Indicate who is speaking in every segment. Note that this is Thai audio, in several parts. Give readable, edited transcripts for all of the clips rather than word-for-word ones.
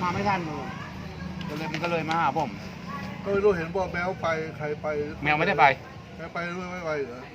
Speaker 1: มาไม่ทันก็เลยมาหาผม
Speaker 2: ก็ไม่รู้เห็นว่าแมวไปใครไป
Speaker 1: แมวไม่ได้ไป
Speaker 2: แมวไปด้วยไม่ไปเหรอ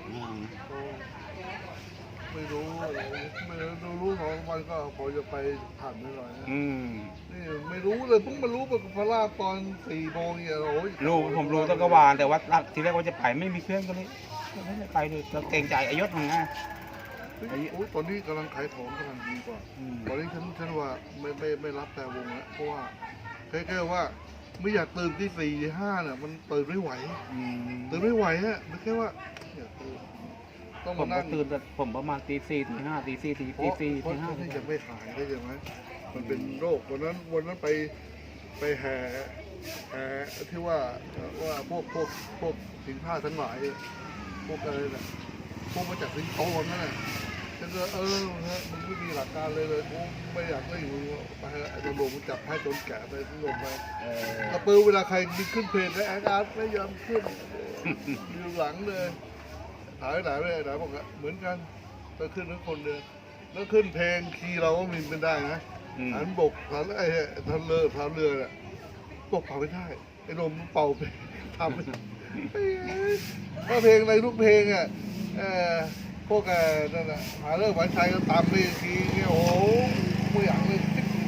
Speaker 2: ไม่รู้ไม่รู้ของมันก็พอจะไปผ่านไปหน่อยนะนี่ไม่รู้เลยเพิ่งมารู้พระราตอน4 โมงเนี่ยโอ้ย
Speaker 1: ผมรู้ต้นกวานแต่ว่าทีแรกว่าจะไปไม่มีเครื่องก็เลยไม่ได้ไปเลยเราเกรงใจอายศมึงไง
Speaker 2: โอ้ยตอนนี้กำลังขายของกำลังดีกว่าตอนนี้ฉันว่าไม่รับแต่วงแล้วเพราะว่าแค่ว่าไม่อยากตื่นที่4 5เนี่ยมันตื่นไม่ไหวตื่นไม่ไหวฮะไม่แค่ว่าต้องมานั่ง
Speaker 1: ตื่นแต่ผมประมาณตี 4 ตี 5 ตี 4 ตี 4 ตี5
Speaker 2: ที่จะไม่ขายได้ไหมมันเป็นโรควันนั้นไปแห่ที่ว่าพวกสินค้าทั้งหลายพวกอะไรน่ะพวกมาจากสิงคโปร์นั่นแหละฉันก็มันไม่มีหลักการเลยผมไม่อยากได้อยู่ไปไอ้ตำรวจมันจับให้จนแก่ไปตำรวจไปกระปือเวลาใครมีขึ้นเพจในแอคอาร์ตไม่ยอมขึ้นอยู่หลังเลยถ่ายไม่ได้บอกเหมือนกันก็ขึ้นทั้งคนเลยแล้วขึ้นเพลงคีย์เราก็มีเป็นได้นะหันบกหันไอ้ทันเรือเนี่ยบกเป่าไม่ได้ไอ้ลมเป่าไปทำถ้าเพลงในทุกเพลงอ่ะพวกนั่นแหละหาเรื่องหวานชัยก็ตามไปทีเนี่ยโอ้ไม่อยากเลย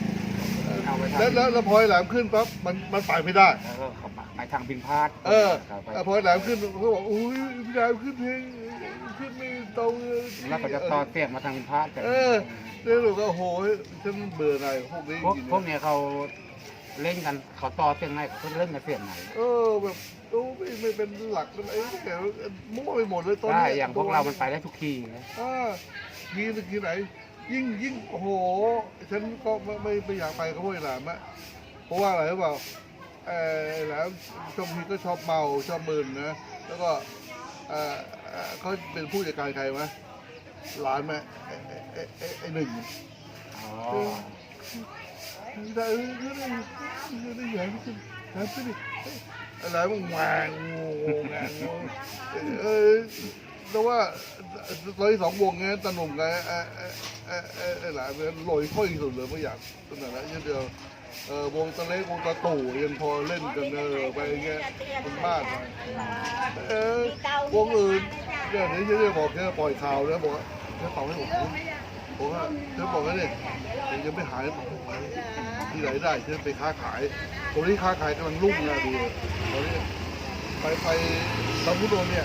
Speaker 2: แล้วพอแหลมขึ้นปั๊บมันไปไม่ได้
Speaker 1: ไปทางบินพาด
Speaker 2: พอแหลมขึ้นเขาบอกอุ้ยแหลมขึ้นเพลงขึ้นไม่ตรง
Speaker 1: แล้วก็จะต่อเสียงมาทางบินพาด
Speaker 2: กันแล้วหนูก็โหฉันเบื่ออะไรพวกนี้
Speaker 1: พวกเนี้ยเขาเล่นกันเขาต่อเสียงไหนเขาเล่นกันเสียงไหน
Speaker 2: แบบไม่เป็นหลักเป็นไอ้แต่มั่วไปหมดเลยตอน
Speaker 1: นี้อย่างพวกเรามันไปได้ทุกทีนะ
Speaker 2: ทีไหนยิ่งโอ้โหฉันก็ไม่อยากไปเขาเลยแหลมเพราะว่าอะไรหรือเปล่าแหลมชมทีก็ชอบเมาชอบมึนนะแล้วก็เขาเป็นผู้จัดการใครไหมหลานไหมไอ้หนึ่งได้ได้ใหญ่ไม่ขึ้นแล้วขึ้นดิอะไรมึงแหวงแต่ว่า102 วงเงี้ยตะหนุ่มไงหลานเนี่ยลอยค่อยสุดเลยไม่อยากตั้งแต่ละเดียววงตะเล็กวงตะตู่ยังพอเล่นกันไปเงี้ยมันมากเลยวงอื่นเนี่ยนี้จะบอกแค่ปล่อยข่าวแล้วบอกแค่เป่าให้ผมบอกว่าเธอบอกว่าเนี่ยยังไม่หายที่ไหนได้เธอไปค้าขายตรงนี้ค้าขายกำลังรุ่งนะดีตอนนี้ไปลำพูนโดนเนี่ย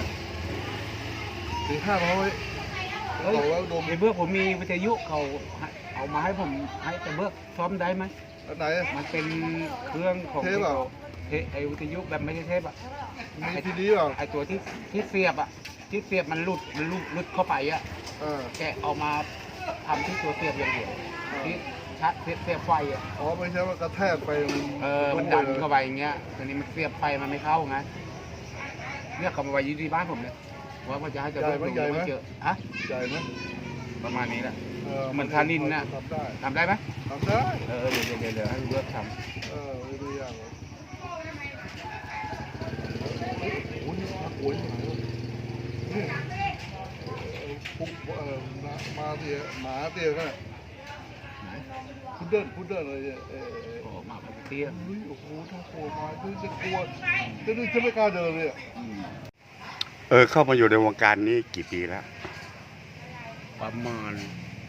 Speaker 2: 400-500ต่อแล้วโดม
Speaker 1: ไอ้เบื้อผมมีวิทยุเขาเอามาให้ผมให้แต่เบื้อซ้อมได้ไหม
Speaker 2: อันไหน
Speaker 1: มันเป็นเครื่องของ
Speaker 2: เทปอ่ะ
Speaker 1: ไอ้วิทยุแบบไม่ใช่เทปอ่ะ
Speaker 2: มีทีดีป่ะ
Speaker 1: ไอ้ตัวที่เสียบอ่ะที่เสียบมันหลุดเข้าไปอ่ะแกเอามาทำที่ตัวเสียบอย่างเดียวที่ชัดเสียบไฟอ่ะ
Speaker 2: ไม่ใช่ว่ากระแทกไป
Speaker 1: มันดันเข้าไปอย่างเงี้ยทีนี้มันเสียบไฟมันไม่เข้าไงเนี่ยเขามาไว้ที่บ้านผมเนี่ยว่าจะให้จะดูไม่เจอฮะ
Speaker 2: ใหญ่ไหม
Speaker 1: ประมาณนี้แหละเหมือนคานินนะทำได้ไหม
Speaker 2: ทำได้
Speaker 1: เดี๋ยวให้เลือกทำ
Speaker 2: ไม่ดูยากหรอกโอ้ยโอ้ยนี่ปุ๊บมาเตี้ยหมาเตี้ยกันพุดเดิ้ลอะไรเนี่ย
Speaker 1: หมาเตี้ย
Speaker 2: โอ้โหถ้าโผล่มาจะกลัวจะไม่กล้าเดินเลย
Speaker 3: เข้ามาอยู่ในวงการนี้กี่ปีแล้ว
Speaker 1: ประมาณ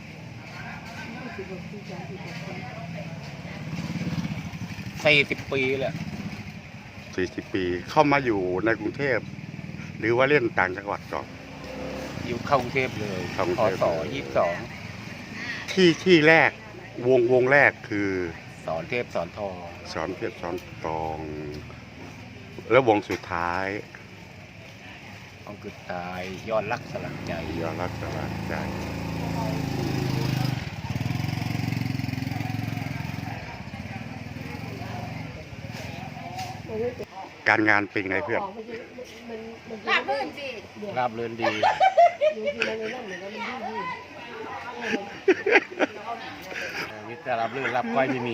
Speaker 1: 40 ปีแหละ
Speaker 3: 40 ปีเข้ามาอยู่ในกรุงเทพหรือว่าเล่นต่างจังหวัดก่อน
Speaker 1: อยู่เข้ากรุงเทพเลยพศ22
Speaker 3: ที่แรกวงแรกคือ
Speaker 1: สอนเทพสอนท
Speaker 3: องแล้ววงสุดท้าย
Speaker 1: ตายยอดรักสลักใจ
Speaker 3: การงานเป็นไงเพื่อน
Speaker 1: ราบรื่นดีวิทย์ราบรื่นรับก้อยไม่มี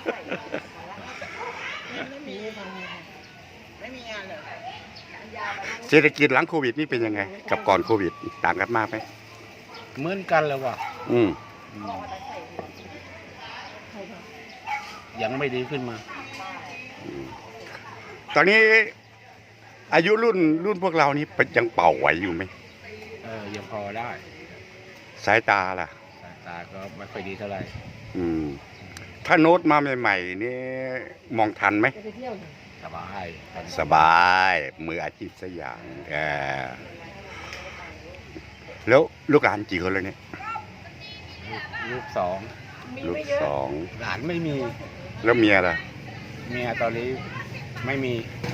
Speaker 3: เศรษฐกิจหลังโควิดนี่เป็นยังไงกับก่อนโควิดต่างกันมากไหม
Speaker 1: เหมือนกันเลยว่ะยังไม่ดีขึ้นมา
Speaker 3: ตอนนี้อายุรุ่นพวกเรานี่ยังเป่าไหวอยู่ไหม
Speaker 1: ยังพอได้
Speaker 3: สายตาล่ะ
Speaker 1: สายตาก็ไม่ค่อยดีเท่าไหร่
Speaker 3: อืม ถ้าโน้ตมาใหม่ๆนี่มองทันไหม
Speaker 1: สบาย
Speaker 3: สบายมืออาชีพสักอย่างแล้วลูกหลานกี่คนเลยเนี่ย
Speaker 1: ลูกสอง
Speaker 3: ลูกสอง
Speaker 1: หลานไม่มี
Speaker 3: แล้วเมียล่ะ
Speaker 1: เมียตอนนี้ไม่มี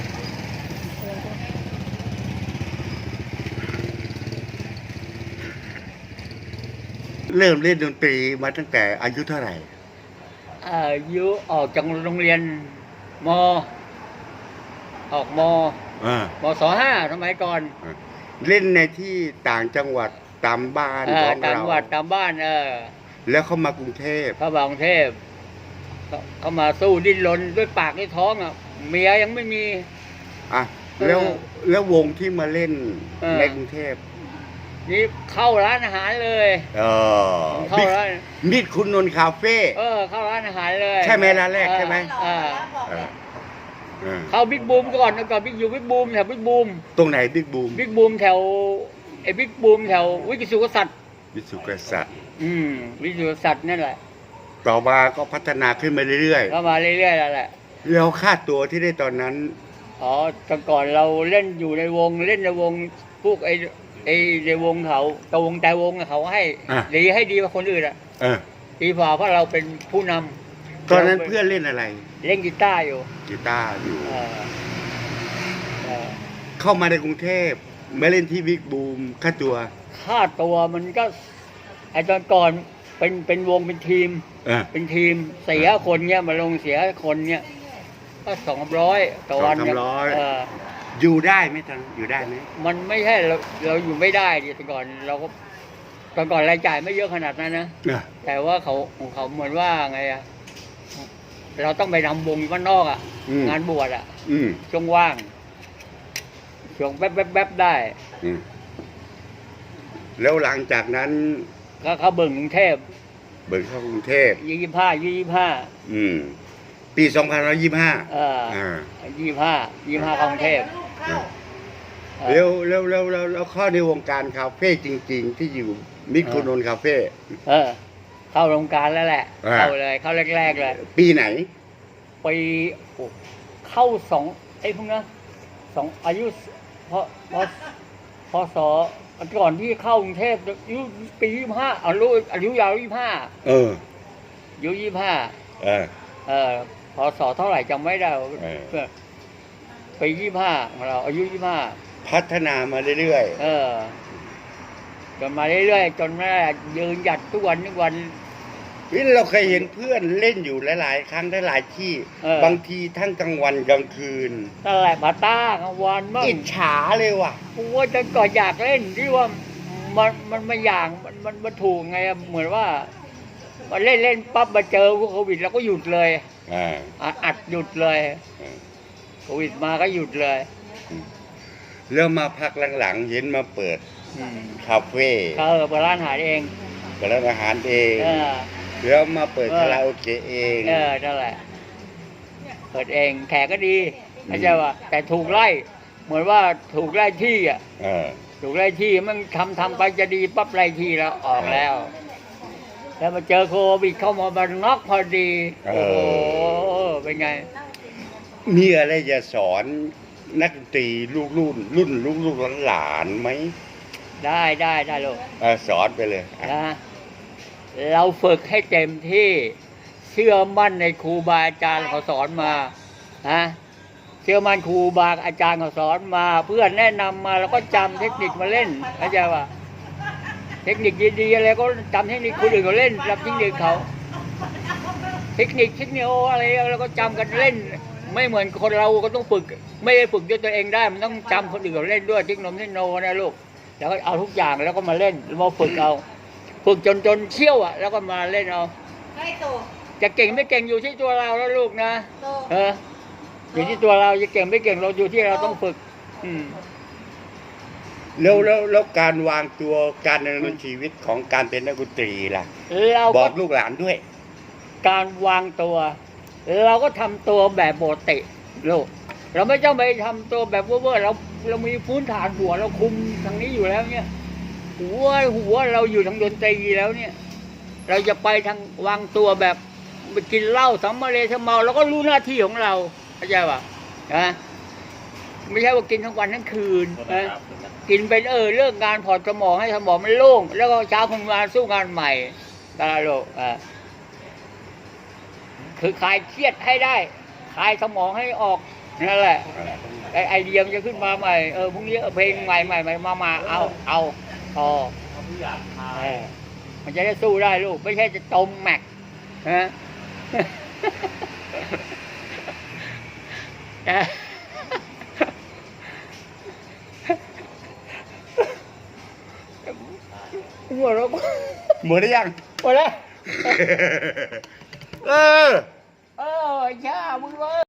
Speaker 3: เริ่มเล่นดนตรีมาตั้งแต่อายุเท่าไหร่
Speaker 4: อายุออกจากโรงเรียนมออกม
Speaker 3: อ่าม
Speaker 4: .25 สมัยก่อน
Speaker 3: เล่นในที่ต่างจังหวัดตามบ้านของ
Speaker 4: ต่าง
Speaker 3: เรา
Speaker 4: จังหวัดตามบ้าน
Speaker 3: แล้วเข้ามากรุงเทพ
Speaker 4: เข้ามากรุงเทพเขามาสู้ดิ้นรนด้วยปากด้วยท้องเมียยังไม่มี
Speaker 3: อ่ะแล้ววงที่มาเล่น
Speaker 4: เออ
Speaker 3: ในกรุงเทพ
Speaker 4: นี่เข้าร้านอาหารเลย เข้าร้าน
Speaker 3: มิตรคุณนนท์คาเฟ่
Speaker 4: เข้าร้านอาหารเลย
Speaker 3: ใช่ไหมร้านแรกใช่ไหม เออ
Speaker 4: เข้าบิ๊กบูมก่อนบิ๊กอยู่บิ๊กบูมแถวบิ๊กบูม
Speaker 3: ตรงไหนบิ๊กบูม
Speaker 4: บิ๊กบูมแถวบิ๊กบูมแถววิกิสุกษัตริย์
Speaker 3: วิสุกษัตริย์
Speaker 4: วิกิสุกษัตริย์นั่นแหละ
Speaker 3: ต่อมาก็พัฒนาขึ้นมาเรื่อย
Speaker 4: เข้ามาเรื่อยๆแล้วแหละ
Speaker 3: ๆแล้วค่าตัวที่ได้ตอนนั้น
Speaker 4: แต่ก่อนเราเล่นอยู่ในวงเล่นในวงพวกไอ้ในวงเขาตะวงแต่วงเขาให้
Speaker 3: อ่ะ
Speaker 4: ดีให้ดีกว่าคนอื่น
Speaker 3: เออ
Speaker 4: ดีกว่าเพราะเราเป็นผู้นำ
Speaker 3: ตอนนั้นเพื่อนเล่นอะไร
Speaker 4: เล่นกีตาร์อยู่
Speaker 3: กีตาร์อยู่
Speaker 4: เออเออ
Speaker 3: เข้ามาในกรุงเทพมาเล่นที่บิ๊กบูมค่าตัว
Speaker 4: ค่าตัวมันก็ไอ้ตอนก่อนเป็นวงเป็นทีม
Speaker 3: เออ
Speaker 4: เป็นทีมเสียคนเนี้ยมาลงเสียคนเนี้ยก็200ต่อวัน
Speaker 3: 200 อยู่ได้ไหมตอนอยู่ได้ไหม
Speaker 4: มันไม่ใช่เราอยู่ไม่ได้ดิแต่ก่อนเราก็ตอนก่อนรายจ่ายไม่เยอะขนาดนั้นนะ
Speaker 3: เออ
Speaker 4: แต่ว่าเขาของเขาเหมือนว่าไงเราต้องไปทำวงบ้านนอกงานบวช
Speaker 3: อืม
Speaker 4: ช่วงว่างช่วงแป๊บได้
Speaker 3: อืมแล้วหลังจากนั้น
Speaker 4: ก็เขาเบิ่งกรุงเทพ
Speaker 3: เบิกเข้ากรุงเทพ
Speaker 4: 25
Speaker 3: อืม ปี2525
Speaker 4: 25เข้ากรุงเทพ
Speaker 3: แล้วเข้าในวงการคาเฟ่จริง ๆ ที่อยู่มิตรคุณนนท์คาเฟ่
Speaker 4: เข้าโรงการแล้วแหละ เข้าเลยเข้าแรกๆเลย
Speaker 3: ปีไหน
Speaker 4: ปีเข้าไอ้พวกนั้นอายุพศก่อนที่เข้ากรุงเทพอายุปี25อายุยาว25
Speaker 3: เออ
Speaker 4: อายุ25 พศเท่าไหร่จำไม่ได้ปี25ของเราอายุ25
Speaker 3: พัฒนามาเรื่อย
Speaker 4: จนมาเรื่อยๆจนแม่ยืนหยัดทุกวัน
Speaker 3: ๆนี่เราเคยเห็นเพื่อนเล่นอยู่หลายๆครั้งหลายๆที่ บางทีทั้งกลางวันกลางคืน
Speaker 4: นั่นแหละมาต้ากลางวันมั่ง
Speaker 3: อิจฉาเลยว่ะ
Speaker 4: กูว่าจนก่อนอยากเล่นที่ว่ามันไม่อย่างมันถูกไงเหมือนว่ามาเล่นปั๊บมาเจอโควิดแล้วก็หยุดเลยอัดหยุดเลยโควิดมาก็หยุดเลย
Speaker 3: แล้วมาพักหลังๆเห็นมาเปิดคาเฟ่
Speaker 4: เปิดร้านอาหารเอง
Speaker 3: เปิดร้านอาหารเองแล้วมาเปิดคาราโอเกะเอง
Speaker 4: นั่นแหละเปิดเองแขกก็ดีไม่ใช่ว่าแต่ถูกไล่เหมือนว่าถูกไล่ที่ถูกไล่ที่มันทำไปจะดีปั๊บไล่ที่แล้วออกแล้วมาเจอโควิดเข้ามาบันน็อกพอดีโอ้โหเป็นไง
Speaker 3: มีอะไรจะสอนนักดนตรีรุ่นลูกหลานไหม
Speaker 4: ได้ลูก
Speaker 3: สอนไปเลย
Speaker 4: นะเราฝึกให้เต็มที่เชื่อมั่นในครูบาอาจารย์เขาสอนมาเชื่อมั่นครูบาอาจารย์เขาสอนมาเพื่อนแนะนำมาแล้วก็จำเทคนิคมาเล่นเข้าใจป่ะเทคนิคดีๆอะไรก็จำเทคนิคคนอื่นเขาเล่นจำเทคนิคเขาเทคนิคอะไรแล้วก็จำกันเล่นไม่เหมือนคนเราก็ต้องฝึกไม่ได้ฝึกด้วยตัวเองได้มันต้องจำคนอื่นเขาเล่นด้วยเทคโนนะลูกแล้วก็เอาทุกอย่างแล้วก็มาเล่นมาฝึกเอาฝึกจนเชี่ยวแล้วก็มาเล่นเอาจะเก่งไม่เก่งอยู่ที่ตัวเราแล้วลูกนะอยู่ที่ตัวเราจะเก่งไม่เก่งเราอยู่ที่เราต้องฝึก
Speaker 3: แล้วการวางตัวการดำเนินชีวิตของการเป็นนักดนตรีล่ะบอกลูกหลานด้วย
Speaker 4: การวางตัวเราก็ทำตัวแบบปกติลูกเราไม่ต้องไปทำตัวแบบเว่อร์เรามีพื้นฐานหัวเราคุมทางนี้อยู่แล้วเนี่ยหัวเราอยู่ทางดนตรีแล้วเนี่ย เราจะไปทางวางตัวแบบไปกินเหล้าสัมมาเลเมาเราก็รู้หน้าที่ของเราเข้าใจป่ะนะไม่ใช่ว่ากินทั้งวันทั้งคืนนะกินเป็นเลิกงานผ่อนสมองให้สมองมันโล่งแล้วก็เช้าคุณมาสู้งานใหม่ตลอดโลกคือคลายเครียดให้ได้คลายสมองให้ออกนั่นแหละไอเดียมันจะขึ้นมาใหม่พรุ่งนี้เพลงใหม่มาเอาพอมันจะได้สู้ได้ลูกไม่ใช่จะจมแม็กฮะหมดแล้ว
Speaker 3: หมดหรือยัง
Speaker 4: หมดแล้ว
Speaker 3: เออ
Speaker 4: ช่ามึงเลย